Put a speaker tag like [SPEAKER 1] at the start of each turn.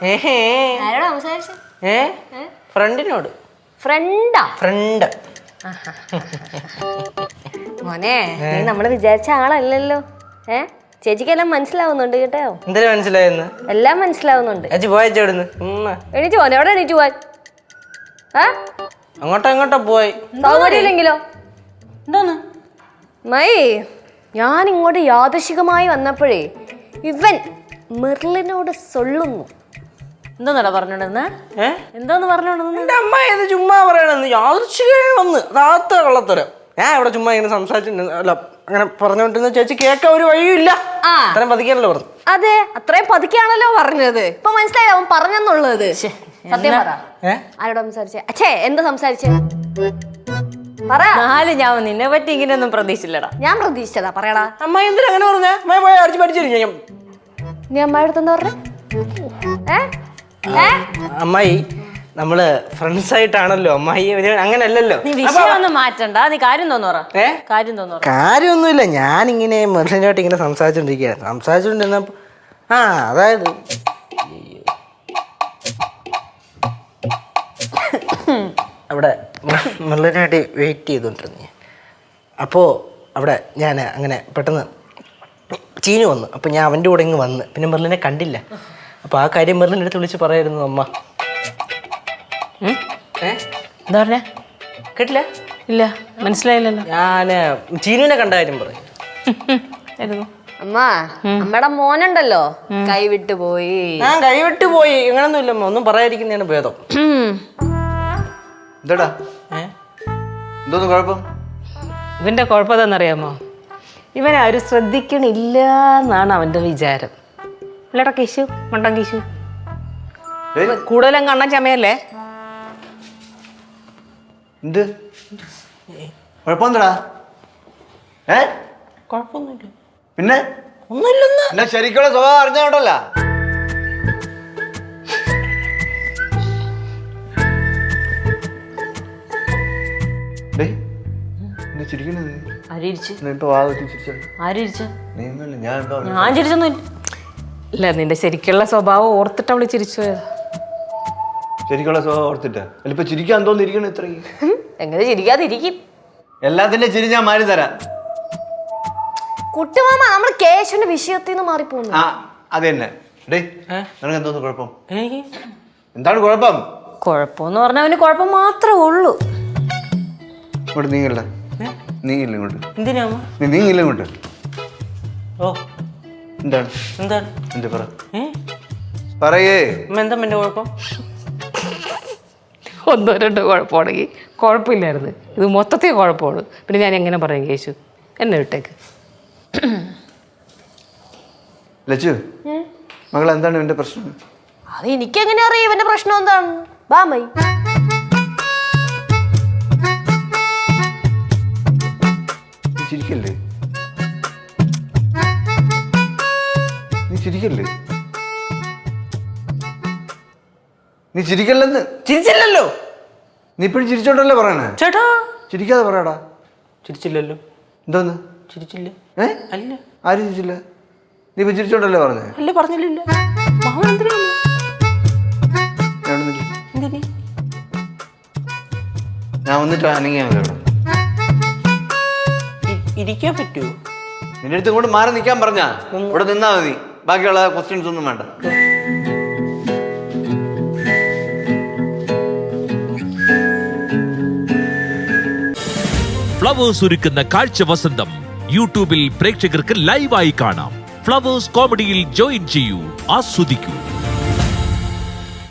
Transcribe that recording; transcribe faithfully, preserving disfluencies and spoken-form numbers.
[SPEAKER 1] ആരോടാ സംസാരിച്ചത്?
[SPEAKER 2] ഏ ഫ്രണ്ടിനോട്.
[SPEAKER 1] ഫ്രണ്ടാ?
[SPEAKER 2] ഫ്രണ്ട്.
[SPEAKER 1] മോനെ, നീ നമ്മള് വിചാരിച്ച ആളല്ലല്ലോ. ഏ ചേച്ചിക്കെല്ലാം മനസ്സിലാവുന്നുണ്ട് കേട്ടോ.
[SPEAKER 2] എന്തിനാ മനസ്സിലായെന്ന്?
[SPEAKER 1] എല്ലാം മനസ്സിലാവുന്നുണ്ട്. എണീറ്റ് പോനെ, എവിടെ എണീറ്റ് പോവാൻ?
[SPEAKER 2] അങ്ങോട്ടോ ഇങ്ങോട്ടോ പോയി.
[SPEAKER 1] സൗകര്യമില്ലെങ്കിലോ? എന്തോന്ന് മൈ, ഞാൻ ഇങ്ങോട്ട് യാദൃശികമായി വന്നപ്പോഴേ ഇവൻ മെർലിനോട് സൊല്ലുന്നു. എന്തോന്നടാ പറഞ്ഞോണ്ടെന്ന്? എന്തോന്ന് പറഞ്ഞോണ്ടെന്ന്?
[SPEAKER 2] എന്റെ അമ്മ ഏത് ചുമ്മാ പറയണെന്ന്. യാദൃശികമായി വന്ന് താത്ത കള്ളത്തരം. ഞാൻ ഇവിടെ ചുമ്മാ ഇങ്ങനെ സംസാരിച്ചിട്ടുണ്ട്. അല്ല, അങ്ങനെ പറഞ്ഞോണ്ടിരുന്ന ചേച്ചി കേൾക്കാൻ ഒരു വഴിയില്ല. അത്രയും പതുക്കിയാണല്ലോ പറഞ്ഞു. അതെ, അത്രയും പതുക്കിയാണല്ലോ പറഞ്ഞത്. ഇപ്പൊ മനസ്സിലായി അവൻ പറഞ്ഞെന്നുള്ളത്. സത്യം പറ, ആരോട് സംസാരിച്ചേ? അച്ഛേ, എന്താ സംസാരിച്ചേ?
[SPEAKER 1] നാല് ഞാൻ നിന്നെ പറ്റി ഇങ്ങനെ ഒന്നും പ്രതീക്ഷിച്ചില്ലടാ. ഞാൻ പ്രതീക്ഷിച്ചതാ. പറയടാ.
[SPEAKER 2] അമ്മ എന്തിനാ അങ്ങനെ പറഞ്ഞേ? അടിച്ചു പഠിച്ചില്ല.
[SPEAKER 1] നീ അമ്മയുടെ എന്താ പറഞ്ഞേ?
[SPEAKER 2] അമ്മായി, നമ്മള് ഫ്രണ്ട്സ് ആയിട്ടാണല്ലോ. അമ്മായി അങ്ങനല്ലല്ലോ.
[SPEAKER 1] നീ വിഷയം ഒന്നും മാറ്റണ്ട. നീ കാര്യം തോന്നു പറ. കാര്യം തോന്നു
[SPEAKER 2] കാര്യമൊന്നുമില്ല. ഞാനിങ്ങനെ മെർലിനായിട്ട് ഇങ്ങനെ സംസാരിച്ചോണ്ടിരിക്കുകയാണ്. സംസാരിച്ചോണ്ടിരുന്നപ്പോ ആ അതായത് അവിടെ മെർലിനായിട്ട് വെയിറ്റ് ചെയ്തോണ്ടിരുന്നു. അപ്പോൾ അവിടെ ഞാൻ അങ്ങനെ പെട്ടെന്ന് ചീഞ്ഞു വന്നു. അപ്പോൾ ഞാൻ അവൻ്റെ കൂടെ ഇങ്ങ് വന്ന് പിന്നെ മെർലിനെ കണ്ടില്ല. അപ്പോൾ ആ കാര്യം മെർലിൻ്റെ അടുത്ത് വിളിച്ച് പറയായിരുന്നു. അമ്മ
[SPEAKER 1] എന്താ പറഞ്ഞ?
[SPEAKER 2] കേട്ടില്ല?
[SPEAKER 1] ഇല്ല, മനസ്സിലായില്ലല്ലോ.
[SPEAKER 2] ഞാൻ ചീനുവിനെ കണ്ട കാര്യം പറയും.
[SPEAKER 1] അമ്മ, അമ്മയുടെ മോനുണ്ടല്ലോ കൈവിട്ട് പോയി.
[SPEAKER 2] ഞാൻ കൈവിട്ട് പോയി അങ്ങനൊന്നും ഇല്ല. ഒന്നും പറയാതിരിക്കുന്നതാണ് ഭേദം.
[SPEAKER 3] എന്താടാ എന്തോന്ന് കുഴപ്പം?
[SPEAKER 4] ഇവന്റെ കുഴപ്പം എന്താണെന്നറിയാമോ? ഇവൻ ആരും ശ്രദ്ധിക്കണില്ല എന്നാണ് അവന്റെ വിചാരം. ഇല്ലടാ കേശു, മണ്ടൻ കേശു. കൂടുതലും കണ്ണൻ ചമയല്ലേ?
[SPEAKER 3] എന്ത് കുഴപ്പം? എന്താടാ? ഏ
[SPEAKER 2] കുഴപ്പമൊന്നുമില്ല.
[SPEAKER 3] പിന്നെ
[SPEAKER 2] ഒന്നുമില്ലെന്ന്.
[SPEAKER 3] എന്നെ ശരിക്കുള്ള സ്വഭാവം അറിഞ്ഞോണ്ടല്ല.
[SPEAKER 4] ഞാൻ ചിരിച്ചൊന്നും ഇല്ല. നിന്റെ ശരിക്കുള്ള സ്വഭാവം ഓർത്തിട്ട് അവള് ചിരിച്ചു പോയതാ.
[SPEAKER 3] ശരിക്കുള്ള സ്വഭാവം ഓർത്തിട്ടാ? ഇപ്പൊ ചിരിക്കാൻ തോന്നിരിക്കണ ഇത്രയും.
[SPEAKER 1] എങ്ങനെ ചിരിക്കാതിരിക്കും?
[SPEAKER 3] എല്ലാത്തിന്റെ ചിരി ഞാൻ മാറി തരാം.
[SPEAKER 1] കുട്ടുമാമ, നമ്മൾ കേശുവിന്റെ വിഷയത്തിൽ നിന്ന് മാറിപ്പോന്നു.
[SPEAKER 3] ആ അത് തന്നെ. നിനക്ക് എന്തോന്ന് കുഴപ്പം? എന്താണ് കുഴപ്പം?
[SPEAKER 1] കുഴപ്പമെന്ന് പറഞ്ഞാൽ അവന് കുഴപ്പം മാത്രമേ ഉള്ളൂ.
[SPEAKER 3] ഇങ്ങോട്ട് നീങ്ങില്ല. നീങ്ങില്ല ഇങ്ങോട്ട്.
[SPEAKER 2] എന്തിനാ
[SPEAKER 3] നീ നീങ്ങില്ല ഇങ്ങോട്ട്.
[SPEAKER 2] ഓ
[SPEAKER 3] എന്താണ്?
[SPEAKER 2] എന്താണ്?
[SPEAKER 3] എന്താ പറ പറയേ.
[SPEAKER 2] എന്താ എന്റെ കുഴപ്പം?
[SPEAKER 4] ഒന്നോ രണ്ടോ കുഴപ്പമാണെങ്കിൽ കുഴപ്പമില്ലായിരുന്നു. ഇത് മൊത്തത്തിൽ കുഴപ്പമാണ്. പിന്നെ ഞാൻ എങ്ങനെ പറയും കേശു? എന്നെ വിട്ടേക്ക്.
[SPEAKER 3] ലച്ചു, മകൾ എന്താണ് ഇവന്റെ പ്രശ്നം?
[SPEAKER 1] അത് എനിക്കെങ്ങനെ അറിയാം ഇവന്റെ പ്രശ്നം എന്താണ്? ബാമൈ
[SPEAKER 3] ചിരിക്കല്ലേ? നീ ചിരിക്കല്ലേ? നീ ചിരിക്കല്ലെന്ന്.
[SPEAKER 2] ചിരിച്ചില്ലല്ലോ.
[SPEAKER 3] നീ ഇപ്പഴും ചിരിച്ചോണ്ടല്ലേ പറയണേ?
[SPEAKER 2] ചേട്ടാ
[SPEAKER 3] ചിരിക്കാതെ പറയടാ.
[SPEAKER 2] ചിരിച്ചില്ലല്ലോ.
[SPEAKER 3] എന്തോന്ന്?
[SPEAKER 2] ചിരിച്ചില്ല.
[SPEAKER 3] ഏ
[SPEAKER 2] അല്ല.
[SPEAKER 3] ആരും ചിരിച്ചില്ല. നീ ഇപ്പൊ ചിരിച്ചോണ്ടല്ലേ പറഞ്ഞേ?
[SPEAKER 2] അല്ല, പറഞ്ഞില്ല.
[SPEAKER 3] ഞാൻ വന്നിട്ട് അനങ്ങിയാ മതി. അവിടെ
[SPEAKER 2] ഇരിക്കാൻ പറ്റുമോ?
[SPEAKER 3] നിന്റെ അടുത്ത് ഇങ്ങോട്ട് മാറി നിൽക്കാൻ പറഞ്ഞാ ഇവിടെ നിന്നാ മതി. ബാക്കിയുള്ള ക്വസ്റ്റ്യൻസ് ഒന്നും വേണ്ട.
[SPEAKER 5] ഫ്ലവേഴ്സ് ഒരുക്കുന്ന കാഴ്ച വസന്തം യൂട്യൂബിൽ പ്രേക്ഷകർക്ക് ലൈവായി കാണാം. ഫ്ലവേഴ്സ് കോമഡിയിൽ ജോയിൻ ചെയ്യൂ, ആസ്വദിക്കൂ.